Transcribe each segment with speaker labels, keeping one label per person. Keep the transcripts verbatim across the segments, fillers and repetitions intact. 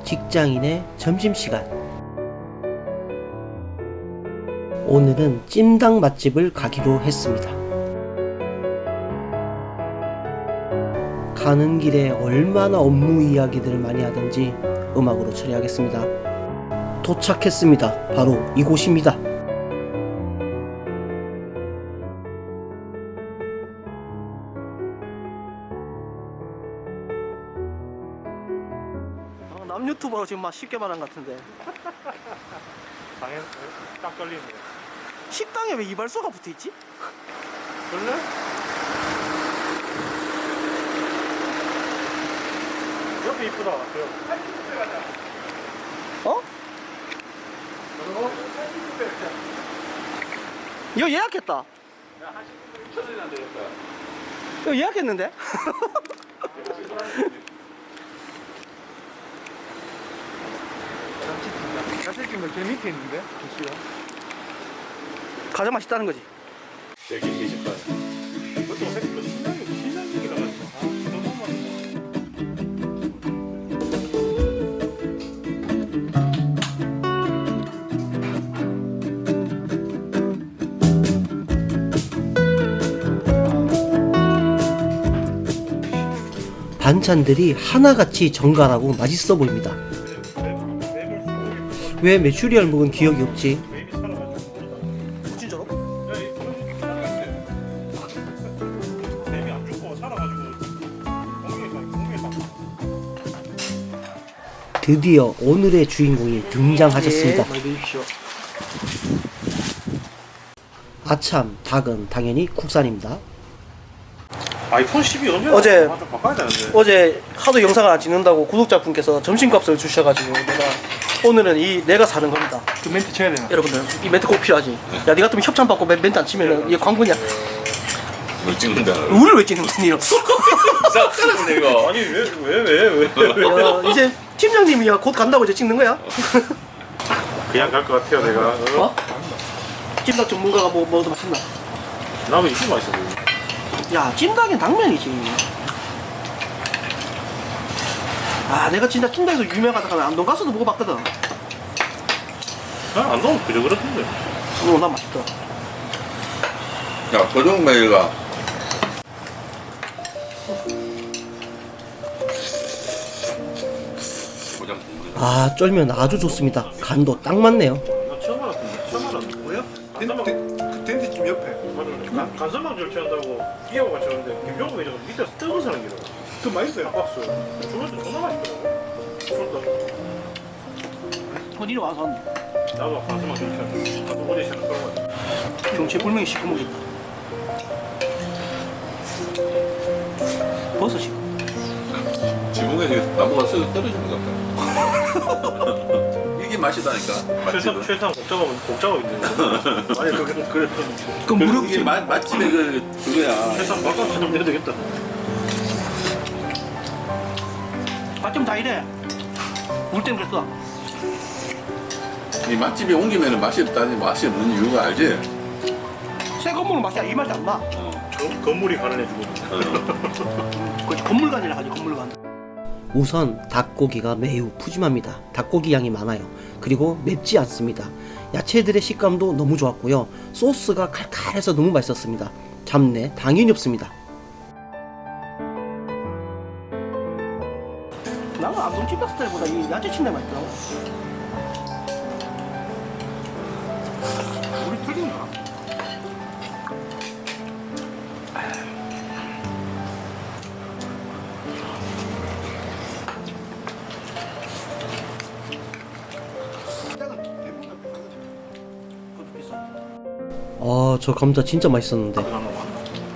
Speaker 1: 직장인의 점심시간. 오늘은 찜닭 맛집을 가기로 했습니다. 가는 길에 얼마나 업무 이야기들을 많이 하든지 음악으로 처리하겠습니다. 도착했습니다. 바로 이곳입니다. 남 유튜버로 지금 막 쉽게 말한 것 같은데.
Speaker 2: 당연 딱 걸리네.
Speaker 1: 식당에 왜 이발소가 붙어있지?
Speaker 2: 원래? 옆에 이쁘다.
Speaker 1: 어? 이거 예약했다. 이거 예약했는데?
Speaker 2: 야채찜은 제 밑에 있는데? 주시요.
Speaker 1: 가장 맛있다는 거지.
Speaker 3: 여기 계실 거야.
Speaker 2: 이것도 생각보다 신나게 신나게 나가지고. 아, 너무 맛있어.
Speaker 1: 반찬들이 하나같이 정갈하고 맛있어 보입니다. 왜 메추리알 먹은 기억이 없지?
Speaker 2: 맵이 살아가지고.
Speaker 1: 진짜로?
Speaker 2: 야, 이 그런 살아갔대. 맵이 안 죽고 살아가지고 공기에 공기에 딱.
Speaker 1: 드디어 오늘의 주인공이 등장하셨습니다. 아참, 닭은 당연히 국산입니다.
Speaker 2: 아이폰 십이 언제?
Speaker 1: 어제-
Speaker 2: 아, 좀 바꿔야 되는데.
Speaker 1: 어제 하도 영상을 안 찍는다고 구독자분께서 점심값을 주셔가지고 내가 오늘은 이 내가 사는 겁니다.
Speaker 2: 그 멘트 쳐야 되나?
Speaker 1: 여러분들 이 멘트 꼭 필요하지. 야, 니 같으면 협찬 받고 멘- 멘트 안 치면은 이게 광고냐?
Speaker 3: 뭘 찍는다.
Speaker 1: 우리를 왜 찍는 거니?
Speaker 3: 이상하네 이거.
Speaker 2: 아니 왜 왜 왜 왜? 왜?
Speaker 1: 야, 이제 팀장님이 곧 간다고 이제 찍는 거야?
Speaker 2: 그냥 갈 것 같아요 내가. 어?
Speaker 1: 어? 찜닭 전문가가 뭐 뭐도 맛있나?
Speaker 2: 나도 이게 맛있어 보여.
Speaker 1: 야, 찜닭엔 당면이지. 아, 내가 진짜 찜닭에서 유명하다가 안동 가서도 먹어봤거든.
Speaker 2: 난 안 넣으면 그저 그렇던데.
Speaker 1: 어, 난 맛있다.
Speaker 3: 야 도정매가 고장 국물이.
Speaker 1: 아, 쫄면 아주 좋습니다. 간도 딱 맞네요.
Speaker 2: 나 처음 알았던데. 처음 알았는데. 뭐야? 간사막
Speaker 4: 그 텐트집 옆에
Speaker 2: 간 간사막 절취한다고 끼어가 맞췄는데 김병국이 저 밑에서 뜨거운 사람 기로.
Speaker 4: 그 맛있어요.
Speaker 2: 박수. 주문도 존나 맛있더라고. 술도.
Speaker 1: 어디로 와서
Speaker 2: 나도 간사막 절취한다. 나도 오디션 그런 거.
Speaker 1: 경치 불명이 시커멓겠다. 버섯이.
Speaker 3: 지붕에 나무가 쓱 떨어지는 것 같아. 이게 맛이다니까.
Speaker 2: 최상
Speaker 3: 맛집은.
Speaker 2: 최상 곡작업 곡작업 있는 거. 아니 그게 그래.
Speaker 1: 그
Speaker 3: 그리고 이게 맛 맛집의 그 그거야.
Speaker 2: 최상 바꿔서 좀 내야 되겠다.
Speaker 1: 맛좀 다 이래. 물 때문에 그랬어.
Speaker 3: 이 맛집에 옮기면 맛이 없다니 맛이 없는 이유가 알지?
Speaker 1: 새 건물 맛이야. 이 맛이 안 나.
Speaker 2: 건- 건물이 가난해지고.
Speaker 1: 그렇지, 건물관이라 하지, 건물관. 우선 닭고기가 매우 푸짐합니다. 닭고기 양이 많아요. 그리고 맵지 않습니다. 야채들의 식감도 너무 좋았고요. 소스가 칼칼해서 너무 맛있었습니다. 잡내 당연히 없습니다. 나는 안동 찜닭 스타일보다 이 야채 침대 맛있더라고.
Speaker 2: 우리 틀린가?
Speaker 1: 그것도 비싸. 아, 저 감자 진짜 맛있었는데.
Speaker 2: 그나마 많아.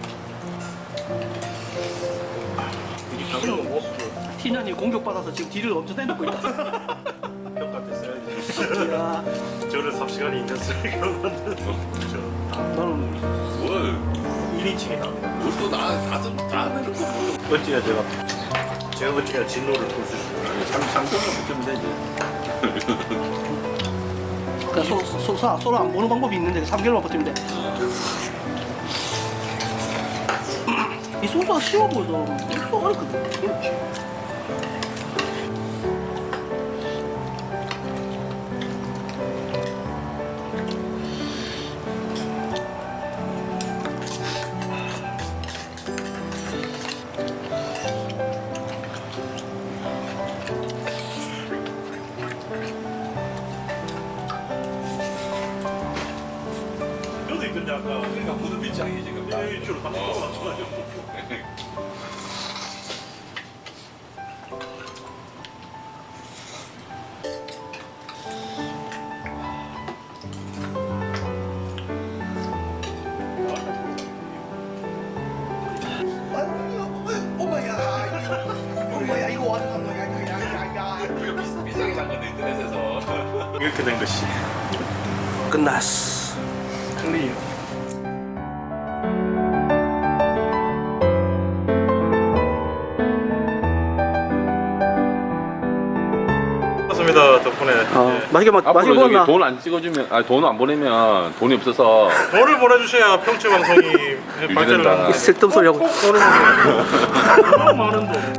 Speaker 2: 이런 모습을
Speaker 1: 티난이 공격받아서 지금 딜을 엄청 내놓고 있다.
Speaker 2: 평가 됐어야지.
Speaker 1: 야,
Speaker 2: 저를 삽시간이 있는 쓰레기로 만든 저
Speaker 1: 나는
Speaker 3: 뭘?
Speaker 2: 일 인칭이 나옵니다.
Speaker 3: 뭘또 나 다들 다 내놓고
Speaker 2: 어찌나 제가 제가 어찌나 진노를 볼 수 있습니다.
Speaker 3: 상 상성을 붙이면 되지.
Speaker 1: 그냥 서로, 서로, 서로, 서로 안 보는 방법이 있는데 삼 개월만 버티면 돼. 이 소스가 쉬워 보여서 소스가 어렵거든.
Speaker 2: 땡큐로 딱 맞춰가지고.
Speaker 4: 엄마야 이거 완전 야야야야야.
Speaker 3: 비싸게 산 건데 인터넷에서.
Speaker 2: 이렇게 된 것이
Speaker 1: 끝났어.
Speaker 2: 클리어. 맞습니다. 덕분에
Speaker 1: 어,
Speaker 2: 예.
Speaker 1: 맛있게 먹, 맛있게
Speaker 3: 앞으로 저기
Speaker 1: 먹었나?
Speaker 3: 돈 안 찍어주면, 아 돈 안 보내면 돈이 없어서
Speaker 2: 돈을 보내주셔야 평치 방송이 발전을
Speaker 3: 유지된다.
Speaker 2: 하는
Speaker 1: 쓸데없는 소리 하고.
Speaker 2: 꼭 돈을 보내주세요. 너무 많은 돈.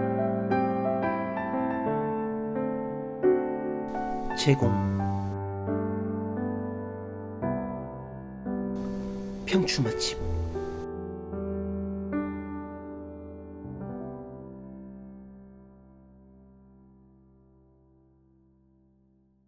Speaker 1: 제공 평추 맛집